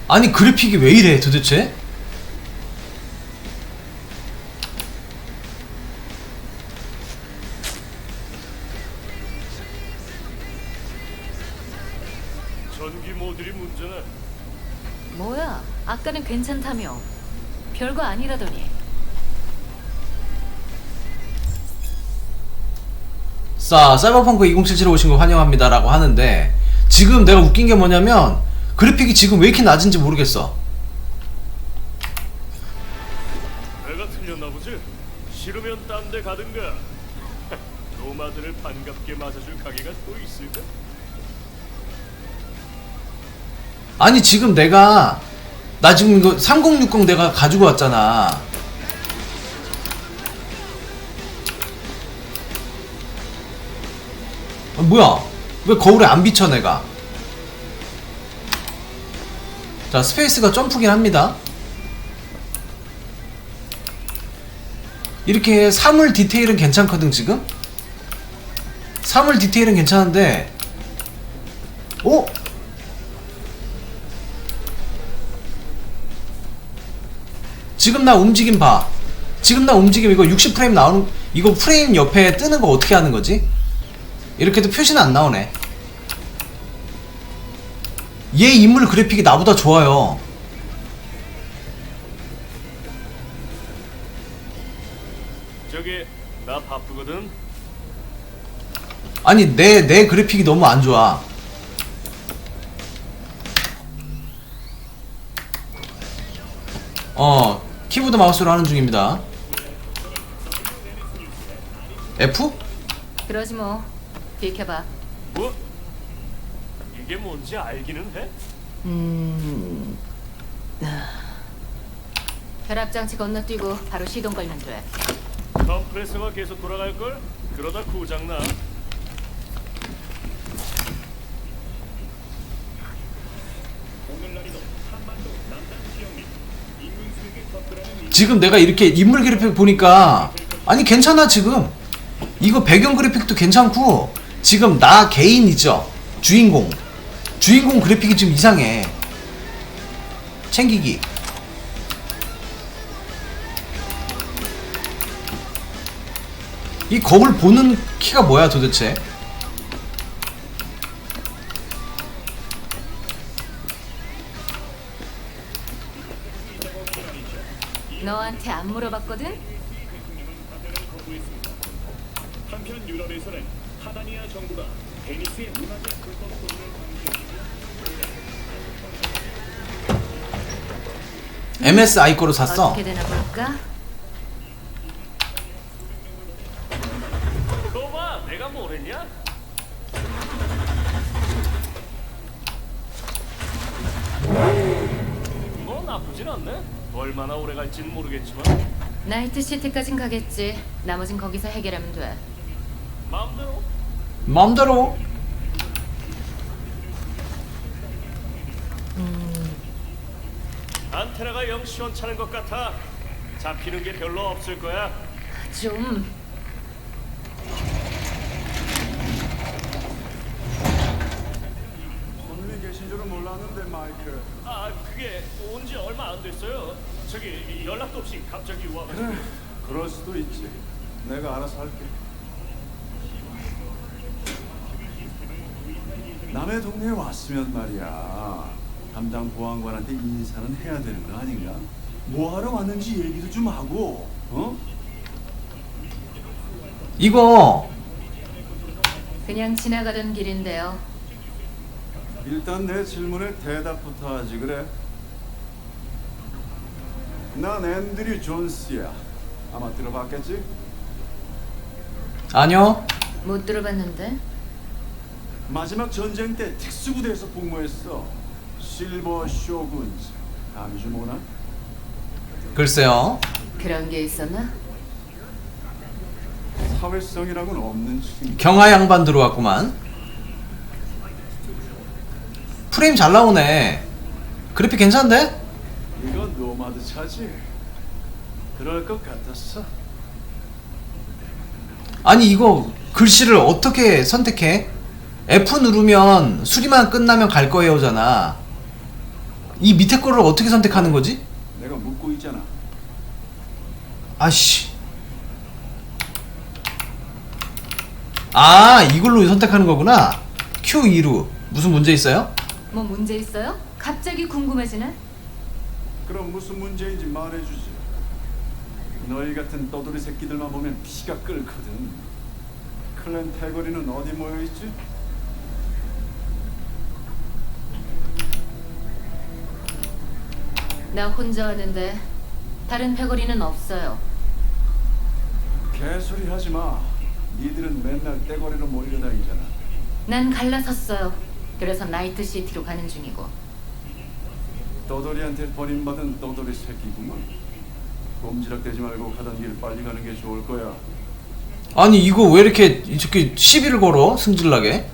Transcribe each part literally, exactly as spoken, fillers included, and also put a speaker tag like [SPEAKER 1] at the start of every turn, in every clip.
[SPEAKER 1] 아니 그래픽이 왜 이래 도대체?
[SPEAKER 2] 전기 모듈이 문제네.
[SPEAKER 3] 뭐야? 아까는 괜찮다며. 별거 아니라더니.
[SPEAKER 1] 자, 사이버펑크 이천칠십칠에 오신 걸 환영합니다 라고 하는데 지금 내가 웃긴 게 뭐냐면 그래픽이 지금 왜 이렇게 낮은지 모르겠어.
[SPEAKER 2] 내가 틀렸나 보지? 싫으면 딴 데 가든가. 노마드를 반갑게 맞아줄 가게가 또 있을까?
[SPEAKER 1] 아니 지금 내가 나 지금 이거 삼공육공 내가 가지고 왔잖아. 아, 뭐야 왜 거울에 안 비쳐 내가. 자 스페이스가 점프긴 합니다. 이렇게 사물 디테일은 괜찮거든. 지금 사물 디테일은 괜찮은데 어? 지금 나 움직임 봐. 지금 나 움직임 이거 육십 프레임 나오는 이거 프레임 옆에 뜨는 거 어떻게 하는 거지? 이렇게도 표시는 안 나오네. 얘 인물 그래픽이 나보다 좋아요.
[SPEAKER 2] 저기 나 바쁘거든.
[SPEAKER 1] 아니 내 내 그래픽이 너무 안 좋아. 어 키보드 마우스로 하는 중입니다. F?
[SPEAKER 3] 그러지 뭐. 비켜봐.
[SPEAKER 2] 뭐? 이게 뭔지 알기는 해?
[SPEAKER 3] 음... 결합장치 건너뛰고 바로 시동 걸면 돼.
[SPEAKER 2] 컴프레서가 계속 돌아갈걸? 그러다 고장나.
[SPEAKER 1] 지금 내가 이렇게 인물 그래픽 보니까 아니 괜찮아. 지금 이거 배경 그래픽도 괜찮고 지금 나 개인이죠. 주인공 주인공 그래픽이 좀 이상해. 챙기기 이 거울 보는 키가 뭐야 도대체.
[SPEAKER 3] 너한테 안 물어봤거든?
[SPEAKER 2] 한편 유럽에서는 하다니아 정부가 베니스의 문화재 불법 소지를
[SPEAKER 1] 엠에스아이 거로 샀어.
[SPEAKER 3] 어떻게 되나 볼까?
[SPEAKER 2] 거봐, 내가 뭘 했냐? 뭐 나쁘진 않네. 얼마나 오래 갈지는 모르겠지만
[SPEAKER 3] 나이트시티까진 가겠지. 나머진 거기서 해결하면 돼.
[SPEAKER 2] 마음대로.
[SPEAKER 1] 마음대로.
[SPEAKER 2] 안테나가 영 시원찮은 것 같아. 잡히는 게 별로 없을 거야.
[SPEAKER 3] 좀...
[SPEAKER 4] 손님이 계신 줄은 몰랐는데 마이클.
[SPEAKER 2] 아, 그게 온 지 얼마 안 됐어요. 저기 연락도 없이 갑자기 와가지고.
[SPEAKER 4] 그래, 그럴 수도 있지. 내가 알아서 할게. 남의 동네에 왔으면 말이야. 담당 보안관한테 인사는 해야 되는 거 아닌가? 뭐하러 왔는지 얘기도 좀 하고, 어?
[SPEAKER 1] 이거
[SPEAKER 3] 그냥 지나가던 길인데요.
[SPEAKER 4] 일단 내 질문에 대답부터 하지 그래. 난 앤드류 존스야. 아마 들어봤겠지?
[SPEAKER 1] 아니요.
[SPEAKER 3] 못 들어봤는데?
[SPEAKER 4] 마지막 전쟁 때 특수부대에서 복무했어. 실버 쇼군즈. 감이 좀 오나?
[SPEAKER 1] 글쎄요.
[SPEAKER 3] 그런 게 있었나?
[SPEAKER 4] 사회성이라고는 없는 친구.
[SPEAKER 1] 경하 양반 들어왔구만. 프레임 잘 나오네. 그래픽 괜찮은데?
[SPEAKER 4] 이건 노마드 차지. 그럴 것 같았어.
[SPEAKER 1] 아니 이거 글씨를 어떻게 선택해? F 누르면 수리만 끝나면 갈 거예요잖아. 이 밑에 거를 어떻게 선택하는 거지?
[SPEAKER 4] 내가 묻고 있잖아.
[SPEAKER 1] 아씨. 아, 이걸로 선택하는 거구나. 큐 이루. 무슨 문제 있어요?
[SPEAKER 3] 뭐 문제 있어요? 갑자기 궁금해지네.
[SPEAKER 4] 그럼 무슨 문제인지 말해주지. 너희 같은 떠돌이 새끼들만 보면 피가 끓거든. 클랜 태거리는 어디 모여있지?
[SPEAKER 3] 나 혼자 왔는데 다른 패거리는 없어요.
[SPEAKER 4] 개소리 하지마. 니들은 맨날 떼거리로 몰려다니잖아.
[SPEAKER 3] 난 갈라섰어요. 그래서 나이트 시티로 가는 중이고.
[SPEAKER 4] 떠돌이한테 버림받은 떠돌이 새끼구만. 꼼지락대지 말고 가던 길 빨리 가는 게 좋을 거야.
[SPEAKER 1] 아니 이거 왜 이렇게 이렇게 시비를 걸어? 승질나게.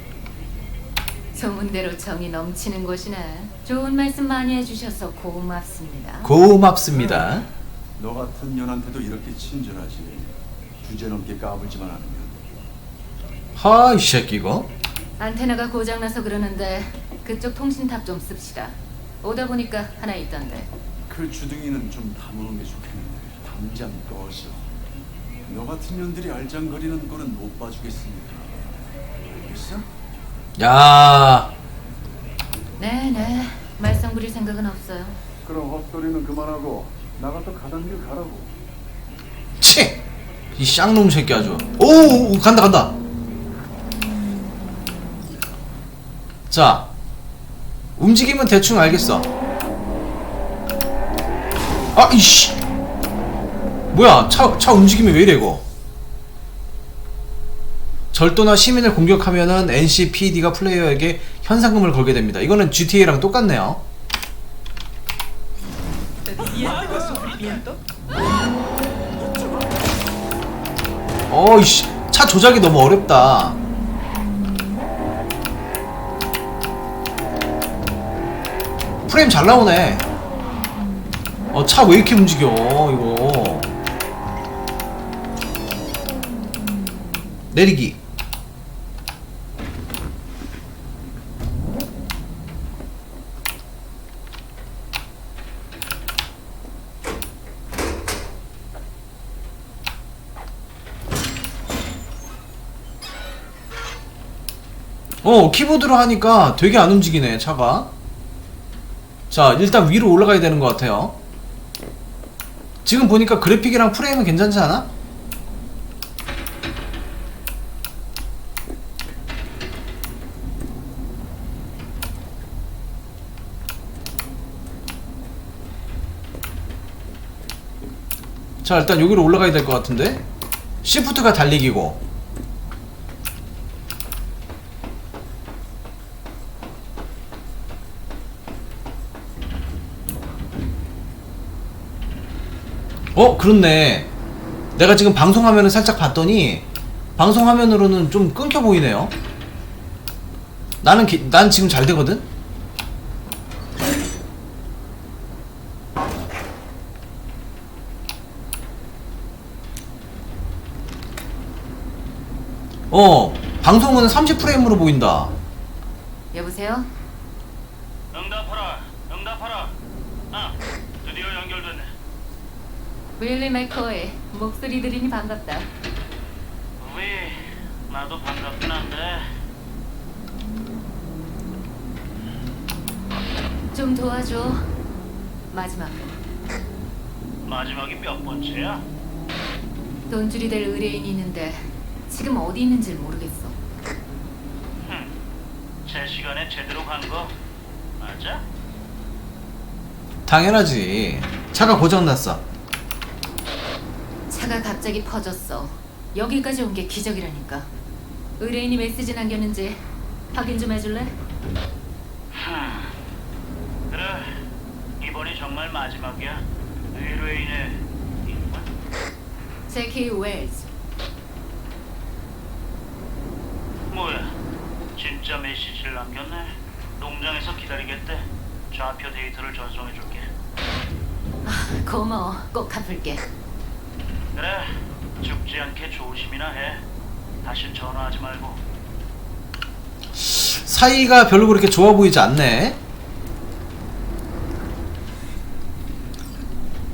[SPEAKER 3] 소문대로 정이 넘치는 곳이네. 좋은 말씀 많이 해주셔서 고맙습니다.
[SPEAKER 1] 고맙습니다.
[SPEAKER 4] 너 같은 년한테도 이렇게 친절하지. 주제넘게 까불지만 않으면.
[SPEAKER 1] 하, 이 새끼 이거.
[SPEAKER 3] 안테나가 고장나서 그러는데 그쪽 통신탑 좀 씁시다. 오다 보니까 하나 있던데.
[SPEAKER 4] 그 주둥이는 좀 다무는 게 좋겠는데 당장 꺼져. 너 같은 년들이 알짱거리는 꼴은 못 봐주겠으니까. 알겠어?
[SPEAKER 1] 야,
[SPEAKER 3] 네네. 말썽 부릴 생각은 없어요.
[SPEAKER 4] 그럼 헛소리는 그만하고 나가 또 가던 길 가라고.
[SPEAKER 1] 치! 이 쌍놈 새끼 아주. 오, 오, 간다 간다. 자, 움직이면 대충 알겠어. 아, 이씨. 뭐야, 차, 차 움직임이 왜 이래 이거. 절도나 시민을 공격하면은 엔씨피디가 플레이어에게 현상금을 걸게 됩니다. 이거는 지티에이랑 똑같네요. 어이씨, 차 조작이 너무 어렵다. 프레임 잘 나오네. 어, 차 왜 이렇게 움직여 이거. 내리기. 어, 키보드로 하니까 되게 안 움직이네 차가. 자, 일단 위로 올라가야 되는 것 같아요. 지금 보니까 그래픽이랑 프레임은 괜찮지 않아? 자, 일단 여기로 올라가야 될 것 같은데. 시프트가 달리기고. 어, 그렇네. 내가 지금 방송화면을 살짝 봤더니 방송화면으로는 좀 끊겨 보이네요. 나는 기, 난 지금 잘 되거든? 어, 방송은 삼십 프레임으로 보인다.
[SPEAKER 3] 여보세요?
[SPEAKER 2] 응답하라. 응답하라. 아, 드디어 연결됐네.
[SPEAKER 3] 윌리 맥코이. 목소리 들으니 반갑다.
[SPEAKER 2] 우리 나도 반갑긴 한데
[SPEAKER 3] 좀 도와줘. 마지막으로.
[SPEAKER 2] 마지막이 몇 번째야?
[SPEAKER 3] 돈줄이 될 의뢰인이 있는데 지금 어디 있는지 모르겠어.
[SPEAKER 2] 흠, 제 시간에 제대로 간 거 맞아?
[SPEAKER 1] 당연하지. 차가 고장났어.
[SPEAKER 3] 차가 갑자기 퍼졌어. 여기까지 온 게 기적이라니까. 의뢰인이 메시지 남겼는지 확인 좀 해줄래?
[SPEAKER 2] 흠, 그래 이번이 정말 마지막이야. 의뢰인의 이름은?
[SPEAKER 3] 제키 웰즈.
[SPEAKER 2] 뭐야? 진짜 메시지를 남겼네. 농장에서 기다리겠대. 좌표 데이터를 전송해줄게.
[SPEAKER 3] 아, 고마워. 꼭 갚을게.
[SPEAKER 2] 그래, 죽지 않게 조심이나 해. 다신 전화하지 말고.
[SPEAKER 1] 사이가 별로 그렇게 좋아 보이지 않네.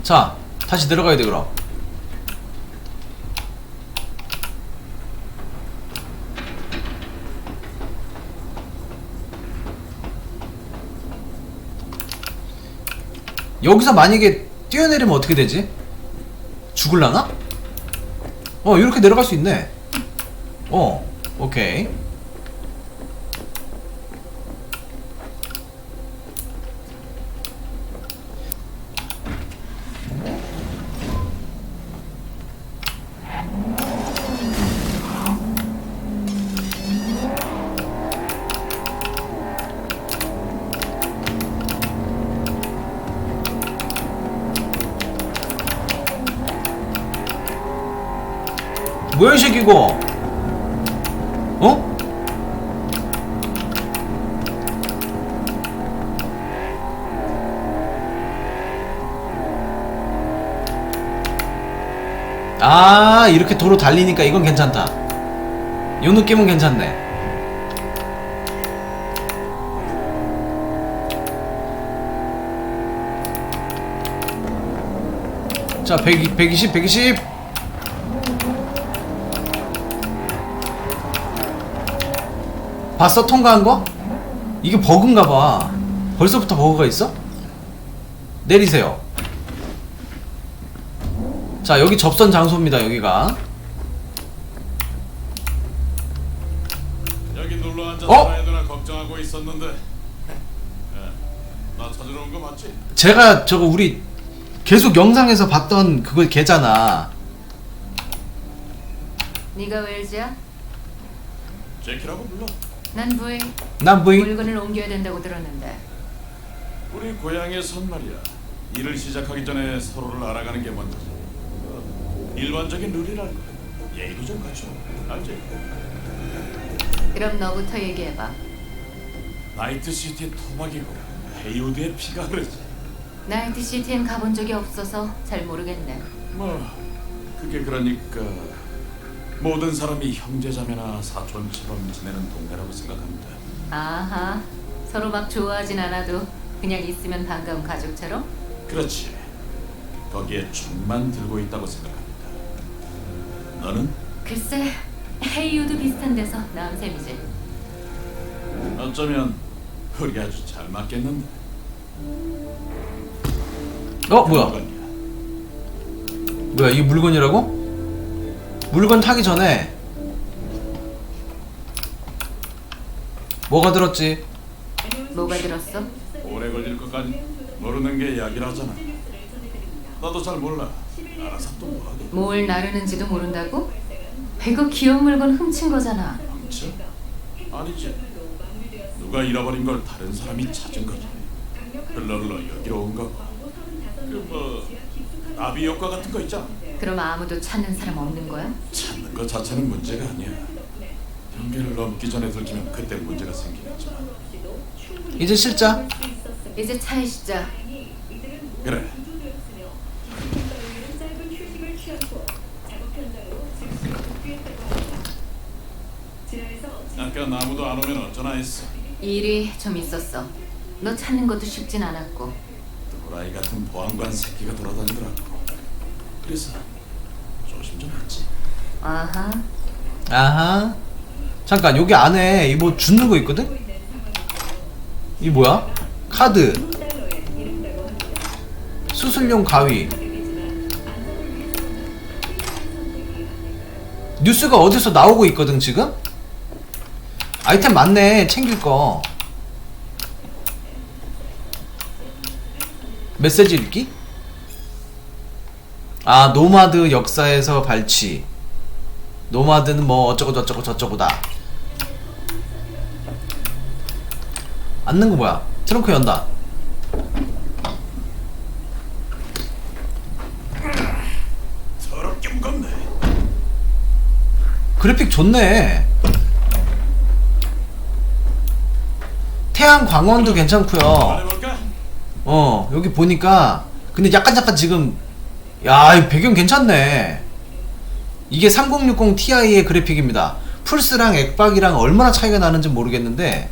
[SPEAKER 1] 자, 다시 내려가야 돼 그럼. 여기서 만약에 뛰어내리면 어떻게 되지? 죽을라나? 어, 이렇게 내려갈 수 있네. 어, 오케이. 뭐야 이 새끼 이거? 어? 아, 이렇게 도로 달리니까 이건 괜찮다. 요 느낌은 괜찮네. 자, 백, 백이십, 백이십. 봤어? 통과한 거? 이게 버그인가봐. 벌써부터 버그가 있어? 내리세요. 자, 여기 접선 장소입니다. 여기가.
[SPEAKER 5] 여기 놀러 앉아서
[SPEAKER 1] 어?
[SPEAKER 5] 애들아 걱정하고 있었는데. 야, 나 찾으러 온 거 맞지?
[SPEAKER 1] 제가 저거 우리 계속 영상에서 봤던 그거 걔잖아.
[SPEAKER 3] 네가 웰즈야?
[SPEAKER 5] 제키라고 불러.
[SPEAKER 3] 난 부인.
[SPEAKER 1] 난 부인.
[SPEAKER 3] 물건을 옮겨야 된다고 들었는데.
[SPEAKER 5] 우리 고향에선 말이야. 일을 시작하기 전에 서로를 알아가는 게 먼저지. 어, 일반적인 룰이랄까. 예의도 좀 갖춰. 알지?
[SPEAKER 3] 그럼 너부터 얘기해봐.
[SPEAKER 5] 나이트시티의 토막이고 헤이우드의 피가 흐르지.
[SPEAKER 3] 나이트시티엔 가본 적이 없어서 잘 모르겠네.
[SPEAKER 5] 뭐 그게 그러니까 모든 사람이 형제자매나 사촌처럼 지내는 동네라고 생각합니다.
[SPEAKER 3] 아하, 서로 막 좋아하진 않아도 그냥 있으면 반가운 가족처럼?
[SPEAKER 5] 그렇지. 거기에 총만 들고 있다고 생각합니다. 너는?
[SPEAKER 3] 글쎄, 헤이우드 비슷한 데서 나온 셈이지.
[SPEAKER 5] 어쩌면 우리 아주 잘 맞겠는데.
[SPEAKER 1] 어, 뭐야?
[SPEAKER 5] 물건이야.
[SPEAKER 1] 뭐야, 이게 물건이라고? 물건 타기 전에 뭐가 들었지?
[SPEAKER 3] 뭐가 들었어?
[SPEAKER 5] 오래 걸릴 것까지 모르는 게 약이라잖아. 나도 잘 몰라. 알아서 또 뭐하게.
[SPEAKER 3] 뭘 나르는지도 모른다고? 이거 귀여운 물건 훔친 거잖아.
[SPEAKER 5] 훔쳐? 아니지. 누가 잃어버린 걸 다른 사람이 찾은 거지. 흘러 흘러 여기로 온 거고. 그뭐 나비 효과 같은 거 있잖아.
[SPEAKER 3] 그럼 아무도 찾는 사람 없는 거야?
[SPEAKER 5] 찾는 것 자체는 문제가 아니야. 경계를 넘기 전에 들키면 그때 문제가 생기겠지만.
[SPEAKER 1] 이제 실자.
[SPEAKER 3] 이제 차에 싣자.
[SPEAKER 5] 그래. 아까 나무도 안 오면 어쩌나 했어.
[SPEAKER 3] 일이 좀 있었어. 너 찾는 것도 쉽진 않았고.
[SPEAKER 5] 도라이 같은 보안관 새끼가 돌아다니더라고. 그래서 조심 좀 했지.
[SPEAKER 3] 아하.
[SPEAKER 1] 아하. 잠깐, 여기 안에 이 뭐 주는 거 있거든? 이 뭐야? 카드. 수술용 가위. 뉴스가 어디서 나오고 있거든 지금? 아이템 많네. 챙길 거. 메시지 읽기? 아, 노마드 역사에서 발치. 노마드는 뭐 어쩌고 저쩌고 저쩌고다. 앉는 거 뭐야? 트렁크 연다.
[SPEAKER 5] 더럽게 무겁네.
[SPEAKER 1] 그래픽 좋네. 태양 광원도 괜찮고요.
[SPEAKER 5] 말해볼까?
[SPEAKER 1] 어, 여기 보니까 근데 약간 약간 지금 야, 이 배경 괜찮네. 이게 삼공육공 티아이의 그래픽입니다. 플스랑 액박이랑 얼마나 차이가 나는지 모르겠는데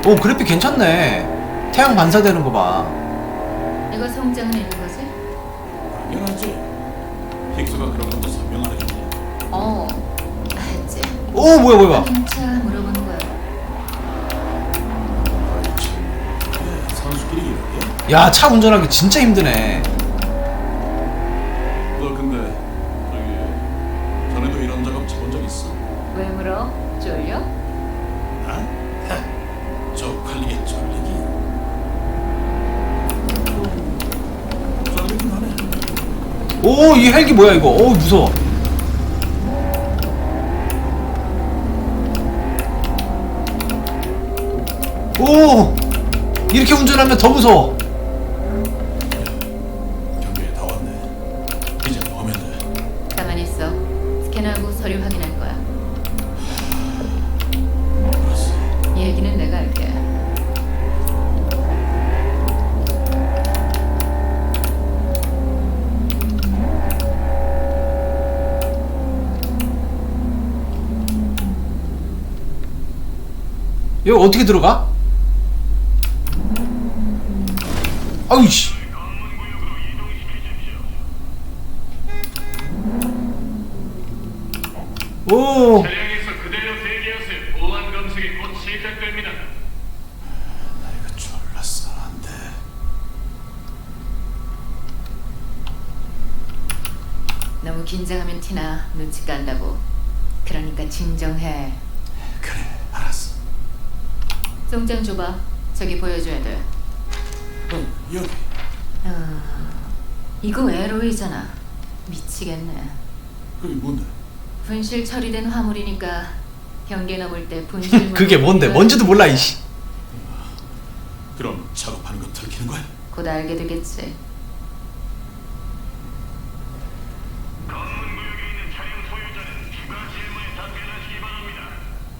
[SPEAKER 1] 오 그래픽 괜찮네. 태양 반사되는 거 봐.
[SPEAKER 3] 이거 송장은 있는 거지?
[SPEAKER 5] 당연하지. 힉스가 그런 것도 설명 안 해줬냐.
[SPEAKER 3] 어, 했지.
[SPEAKER 1] 오 뭐야 뭐야.
[SPEAKER 3] 진짜 물어보는 거야.
[SPEAKER 5] 아이 참. 그래, 선수끼리 이렇게?
[SPEAKER 1] 야 차 운전하기 진짜 힘드네.
[SPEAKER 5] 너 근데 저기 전에도 이런 작업 쳐본 적 있어?
[SPEAKER 3] 왜 물어? 쫄려?
[SPEAKER 5] 나? 하, 쪽팔리게 쫄리기. 쫄리긴 하네.
[SPEAKER 1] 오 이 헬기 뭐야 이거. 오 무서워. 오 이렇게 운전하면 더 무서워.
[SPEAKER 5] 경비에 다 왔네. 이제 뭐 하면 돼?
[SPEAKER 3] 가만히 있어. 스캔하고 서류 확인할 거야.
[SPEAKER 5] 알았어.
[SPEAKER 3] 얘기는 내가 할게.
[SPEAKER 1] 여기 어떻게 들어가? 아우씨. 오.
[SPEAKER 2] 차량에서 그대로 대기하세요. 보안 검색이 곧 시작됩니다.
[SPEAKER 5] 나 이거 졸랐어. 안 돼.
[SPEAKER 3] 너무 긴장하면 티나 눈치 깐다고. 그러니까 진정해.
[SPEAKER 5] 그래, 알았어.
[SPEAKER 3] 송장 줘봐. 저기 보여줘야 돼.
[SPEAKER 5] 어, 여기.
[SPEAKER 3] 아, 이거 에로이잖아. 미치겠네.
[SPEAKER 5] 그게 뭔데?
[SPEAKER 3] 분실 처리된 화물이니까 경계 넘을 때 분실
[SPEAKER 1] 그게 뭔데? 뭔지도 몰라 이씨.
[SPEAKER 5] 그럼 작업하는 거 들키는 거야?
[SPEAKER 3] 곧 알게 되겠지.
[SPEAKER 2] 검문구역에 있는 차량 소유자는 추가 질문에 답변하시기 바랍니다.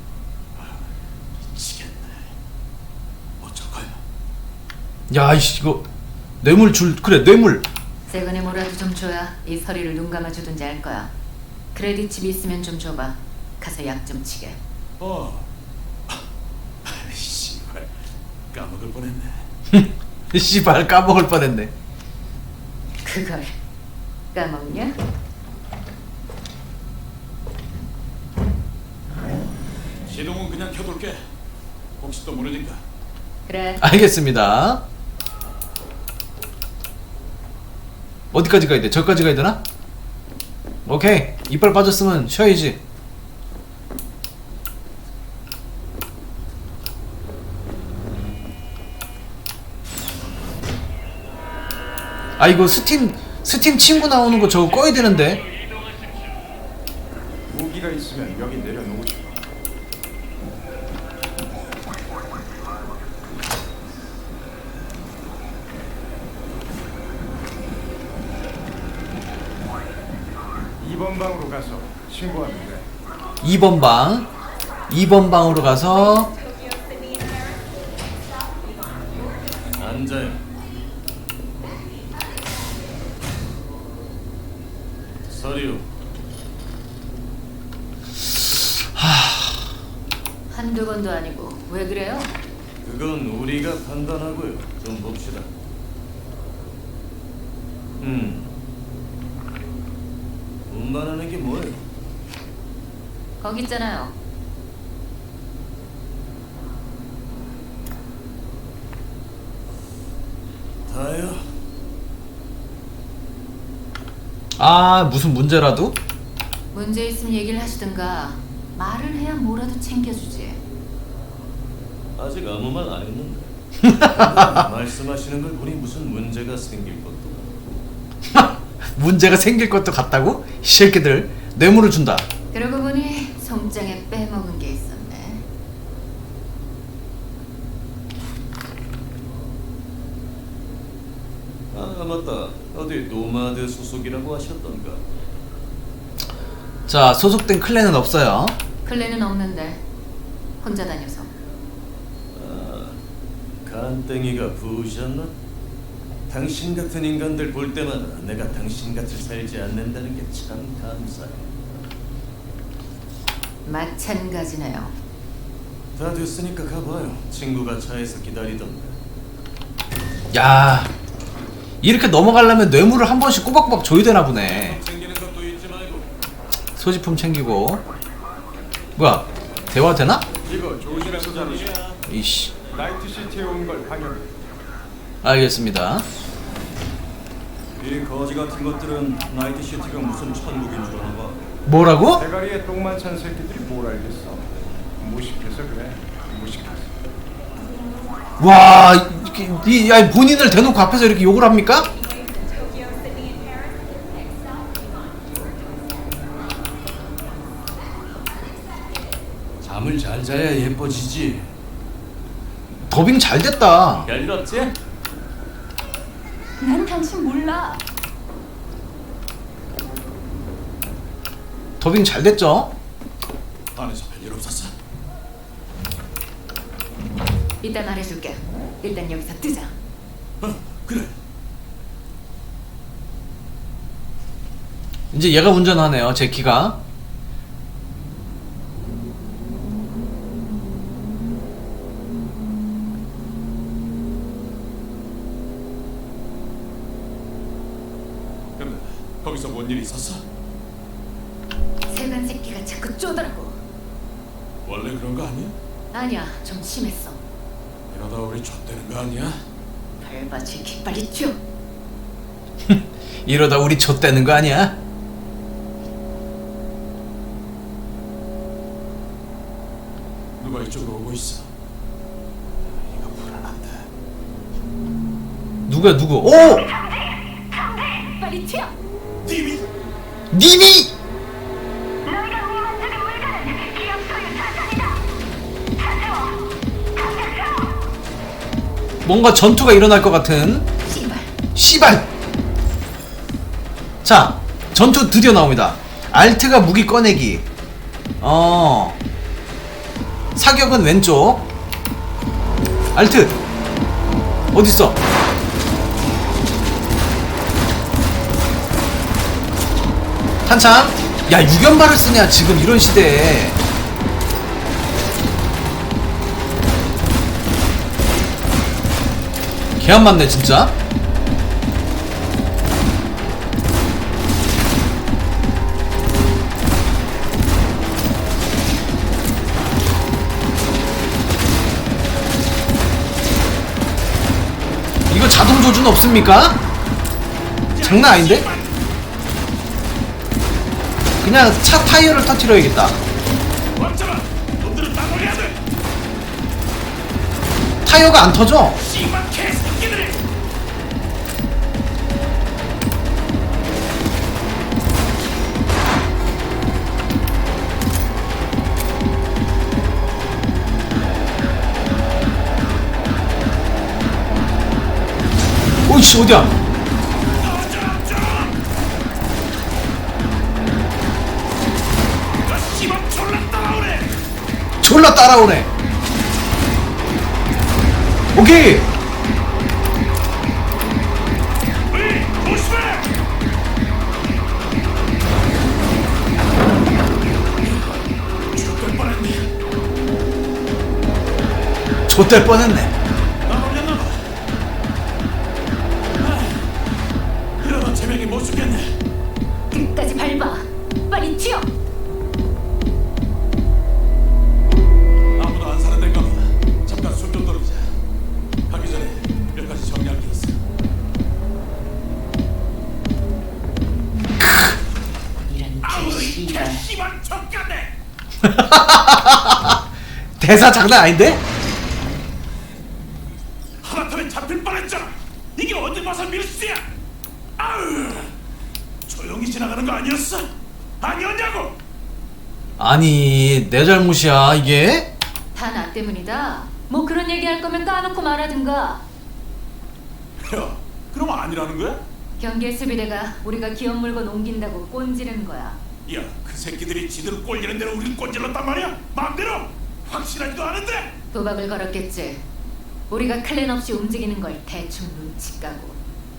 [SPEAKER 5] 미치겠네. 어쩔 거야?
[SPEAKER 1] 야 이씨 이거 뇌물 줄 그래 뇌물.
[SPEAKER 3] 세건에 뭐라도 좀 줘야 이 서리를 눈 감아주든지 할 거야. 크레딧 집 있으면 좀 줘봐. 가서 약 좀 치게.
[SPEAKER 5] 어. 아이 씨발 까먹을 뻔했네.
[SPEAKER 1] 씨발 까먹을 뻔했네.
[SPEAKER 3] 그걸 까먹냐?
[SPEAKER 5] 시동은 그냥 켜둘게. 혹시 또 모르니까.
[SPEAKER 3] 그래.
[SPEAKER 1] 알겠습니다. 어디까지 가야 돼? 저기까지 가야 되나? 오케이. 이빨 빠졌으면 쉬어야지. 아 이거 스팀 스팀 친구 나오는 거 저거 꺼야 되는데.
[SPEAKER 4] 무기가 있으면 여기 내려놓으시오. 이 번 방으로 가서 신고하면 돼.
[SPEAKER 1] 이 번 방. 이 번 방으로 가서
[SPEAKER 5] 앉아요. 서류.
[SPEAKER 3] 한두 번도 아니고 왜 그래요?
[SPEAKER 6] 그건 우리가 판단하고요. 좀 봅시다. 음. 운반하는 게 뭐예요?
[SPEAKER 3] 거기 있잖아요.
[SPEAKER 6] 다요.
[SPEAKER 1] 아 무슨 문제라도?
[SPEAKER 3] 문제 있으면 얘기를 하시든가. 말을 해야 뭐라도 챙겨주지.
[SPEAKER 6] 아직 아무 말 안 했는데. 말씀하시는 걸 보니 무슨 문제가 생길 것도 같고.
[SPEAKER 1] 문제가 생길 것도 같다고? 이 새끼들 뇌물을 준다.
[SPEAKER 3] 그러고 보니 송장에 빼먹은 게 있었네.
[SPEAKER 6] 아 맞다. 어디 노마드 소속이라고 하셨던가.
[SPEAKER 1] 자 소속된 클랜은 없어요.
[SPEAKER 3] 클레는 없는데 혼자 다녀서.
[SPEAKER 6] 아, 간땡이가 부으셨나? 당신 같은 인간들 볼 때마다 내가 당신 같이 살지 않는다는 게 참 감사해.
[SPEAKER 3] 마찬가지네요.
[SPEAKER 6] 다 됐으니까 가봐요. 친구가 차에서 기다리던데.
[SPEAKER 1] 야, 이렇게 넘어가려면 뇌물을 한 번씩 꼬박꼬박 줘야 되나 보네.
[SPEAKER 6] 챙기는 것도 잊지 말고.
[SPEAKER 1] 소지품 챙기고. 뭐야, 대화 되나?
[SPEAKER 4] 이거 조심해서 자르시.
[SPEAKER 1] 이씨.
[SPEAKER 4] 나이트시티에 온 걸 당연히.
[SPEAKER 1] 알겠습니다.
[SPEAKER 4] 이 거지 같은 것들은 나이트시티가 무슨 천국인 줄 아나 봐.
[SPEAKER 1] 뭐라고?
[SPEAKER 4] 대가리에 똥만 찬 새끼들이 뭘 알겠어. 무식해서 그래. 무식해서.
[SPEAKER 1] 와, 이렇게, 이, 야, 본인을 대놓고 앞에서 이렇게 욕을 합니까?
[SPEAKER 6] 잠을 잘 자야 예뻐지지.
[SPEAKER 1] 더빙 잘 됐다.
[SPEAKER 6] 별일 없지?
[SPEAKER 3] 난 당신 몰라.
[SPEAKER 1] 더빙 잘 됐죠?
[SPEAKER 5] 안에서 별일 없었어.
[SPEAKER 3] 이따 말해줄게. 일단 여기서 뜨자.
[SPEAKER 5] 어, 그래.
[SPEAKER 1] 이제 얘가 운전하네요, 제키가.
[SPEAKER 5] 근데 거기서 뭔 일이 있었어?
[SPEAKER 3] 세간 새끼가 자꾸 쪼더라고.
[SPEAKER 5] 원래 그런 거 아니야?
[SPEAKER 3] 아니야, 좀 심했어.
[SPEAKER 5] 이러다 우리 좆되는 거 아니야?
[SPEAKER 3] 밟아, 제키 빨리 튀어.
[SPEAKER 1] 이러다 우리 좆되는 거 아니야?
[SPEAKER 5] 누가 이쪽으로 오고 있어? 이거 불안한데.
[SPEAKER 1] 누구야, 누구? 오!
[SPEAKER 3] 빨리 튀어.
[SPEAKER 5] 님이?
[SPEAKER 1] 님이! 뭔가 전투가 일어날 것 같은
[SPEAKER 3] 씨발.
[SPEAKER 1] 씨발! 자, 전투 드디어 나옵니다. 알트가 무기 꺼내기. 어. 사격은 왼쪽. 알트. 어딨어? 한참. 야, 유견발을 쓰냐, 지금 이런 시대에. 개 안 맞네, 진짜. 이거 자동 조준 없습니까? 장난 아닌데? 그냥 차 타이어를 터뜨려야겠다.
[SPEAKER 5] 왔잖아. 놈들은 따돌려야 돼.
[SPEAKER 1] 타이어가 안 터져.
[SPEAKER 5] 씨발 개새끼들이.
[SPEAKER 1] 오이씨, 어디야?
[SPEAKER 5] 너 씨발 졸라 따라오네.
[SPEAKER 1] 졸라 따라오네. 오케이.
[SPEAKER 5] 으이, 조심해. 죽을 뻔했네.
[SPEAKER 1] 좆될 뻔했네.
[SPEAKER 5] 나 놀렸나 봐. 아, 이러다 제명이 못 죽겠네.
[SPEAKER 3] 끝까지 밟아. 빨리 튀어.
[SPEAKER 5] 아무도 안 사는 데인가 봐. 잠깐 숨 좀 돌리자. 가기 전에 몇 가지 정리할 게 있어.
[SPEAKER 3] 이런
[SPEAKER 5] 아우, 이
[SPEAKER 3] 씨발.
[SPEAKER 5] 씨발 젖같네.
[SPEAKER 1] 대사 장난 아닌데?
[SPEAKER 5] 하마터면 잡힐 뻔했잖아. 이게 어디 봐서 밀수야? 아우, 조용히 지나가는 거 아니었어? 아니었냐고?
[SPEAKER 1] 아니, 내 잘못이야, 이게?
[SPEAKER 3] 다 나 때문이다. 뭐 그런 얘기 할 거면 까놓고 말하든가.
[SPEAKER 5] 야, 그럼 아니라는 거야?
[SPEAKER 3] 경계 수비대가 우리가 기업 물건 옮긴다고 꼰지르는 거야.
[SPEAKER 5] 야, 그 새끼들이 지들 꼴리는 대로 우릴 꼰질렀단 말이야? 마음대로? 확실하지도 않은데?
[SPEAKER 3] 도박을 걸었겠지. 우리가 클랜 없이 움직이는 걸 대충 눈치 까고.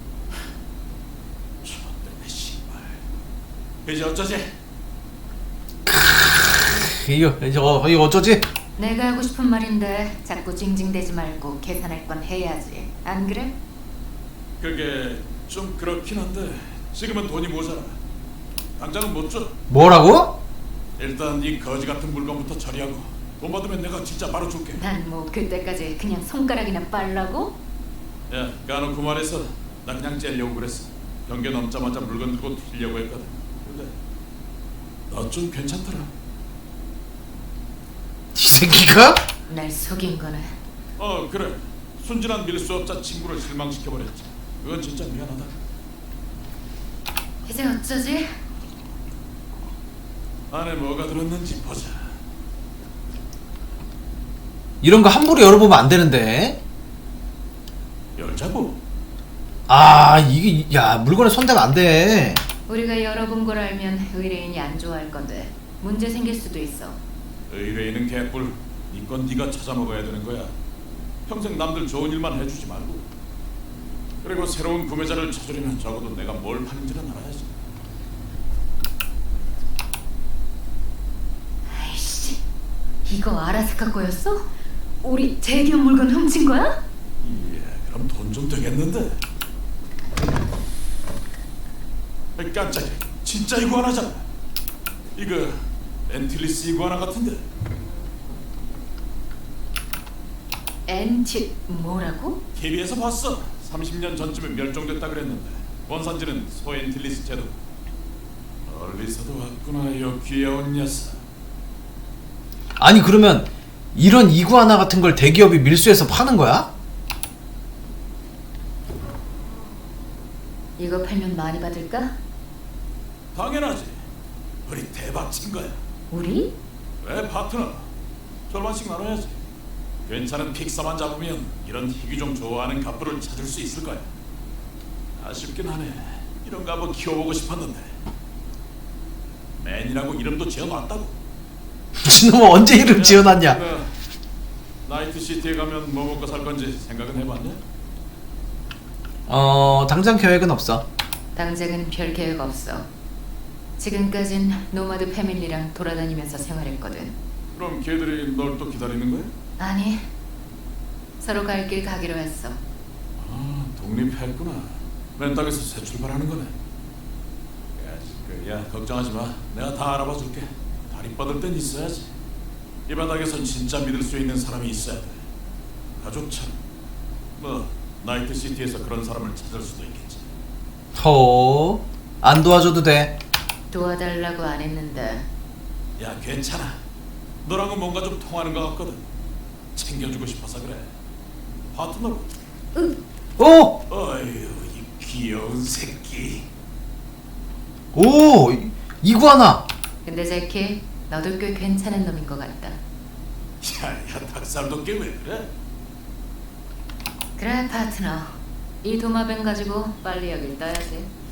[SPEAKER 5] 좆됐네 씨발. 이제 어쩌지?
[SPEAKER 1] 이거, 이거, 어, 이거 어쩌지?
[SPEAKER 3] 내가 하고 싶은 말인데 자꾸 징징대지 말고 계산할 건 해야지. 안 그래?
[SPEAKER 5] 그게 좀 그렇긴 한데 지금은 돈이 모자라. 당장은 못 줘.
[SPEAKER 1] 뭐라고?
[SPEAKER 5] 일단 이 거지 같은 물건부터 처리하고 돈 받으면 내가 진짜 바로 줄게.
[SPEAKER 3] 난 뭐 그때까지 그냥 손가락이나 빨라고?
[SPEAKER 5] 야, 까놓고 말해서 나 그냥 째려고 그랬어. 경계 넘자마자 물건 들고 튀려고 했거든. 근데 너 좀 괜찮더라.
[SPEAKER 1] 이 새끼가?
[SPEAKER 3] 날 속인 거네.
[SPEAKER 5] 어, 그래. 순진한 밀수업자 친구를 실망시켜버렸지. 그건 진짜 미안하다.
[SPEAKER 3] 이제 어쩌지?
[SPEAKER 5] 안에 뭐가 들었는지 보자.
[SPEAKER 1] 이런 거 함부로 열어보면 안 되는데.
[SPEAKER 5] 열자고.
[SPEAKER 1] 아 이게 야 물건에 손대면 안 돼.
[SPEAKER 3] 우리가 열어본 걸 알면 의뢰인이 안 좋아할 건데 문제 생길 수도 있어.
[SPEAKER 5] 의뢰인은 개뿔. 이건 네가 찾아 먹어야 되는 거야. 평생 남들 좋은 일만 해주지 말고. 그리고 새로운 구매자를 찾으려면 적어도 내가 뭘 파는지는 알아야지.
[SPEAKER 3] 아이씨, 이거 아라스카 거였어? 우리 대기업 물건 훔친 거야?
[SPEAKER 5] 예, 그럼 돈 좀 되겠는데. 아이, 깜짝이야. 진짜 이구아나잖아. 이거 엔틸리스 이구아나 같은데.
[SPEAKER 3] 엔티 뭐라고?
[SPEAKER 5] 티비에서 봤어. 삼십 년 전쯤에 멸종됐다 그랬는데 원산지는 소엔틸리스 제도. 멀리서도 왔구나, 요 귀여운 녀석.
[SPEAKER 1] 아니 그러면 이런 이구아나 같은 걸 대기업이 밀수해서 파는 거야?
[SPEAKER 3] 이거 팔면 많이 받을까?
[SPEAKER 5] 당연하지. 우리 대박 친 거야.
[SPEAKER 3] 우리?
[SPEAKER 5] 왜 파트너? 절반씩 나눠야지. 괜찮은 픽사만 잡으면 이런 희귀종 좋아하는 갑부를 찾을 수 있을 거야. 아쉽긴 하네. 이런 거 한번 키워보고 싶었는데. 맨이라고 이름도 지어놨다고.
[SPEAKER 1] 지놈은 언제 이름 지어놨냐?
[SPEAKER 5] 그, 나이트 시티에 가면 뭐 먹고 살 건지 생각은 해봤냐?
[SPEAKER 1] 어 당장 계획은 없어.
[SPEAKER 3] 당장은 별 계획 없어. 지금까진 노마드 패밀리랑 돌아다니면서 생활했거든.
[SPEAKER 5] 그럼 걔들이 널 또 기다리는 거야?
[SPEAKER 3] 아니, 서로 갈 길 가기로 했어.
[SPEAKER 5] 아, 독립했구나. 맨 땅에서 새 출발하는 거네. 야, 그, 야, 걱정하지 마. 내가 다 알아봐 줄게. 다리 뻗을 땐 있어야지. 이 바닥에선 진짜 믿을 수 있는 사람이 있어야 돼. 가족처럼. 뭐 나이트 시티에서 그런 사람을 찾을 수도 있겠지.
[SPEAKER 1] 허, 안 도와줘도 돼.
[SPEAKER 3] 도와달라고 안 했는데.
[SPEAKER 5] 야, 괜찮아. 너랑은 뭔가 좀 통하는 것 같거든. 챙겨주고 싶어서 그래. 파트너로.
[SPEAKER 1] 오,
[SPEAKER 5] 어휴, 이 귀여운 새끼.
[SPEAKER 1] 오, 이- 이구아나.
[SPEAKER 3] 근데 제키, 너도 꽤 괜찮은 놈인 것 같다.
[SPEAKER 5] 야, 야, 닭살도 꽤 왜 그래?
[SPEAKER 3] 그래, 파트너. 이 도마뱀 가지고 빨리 여길 떠야지.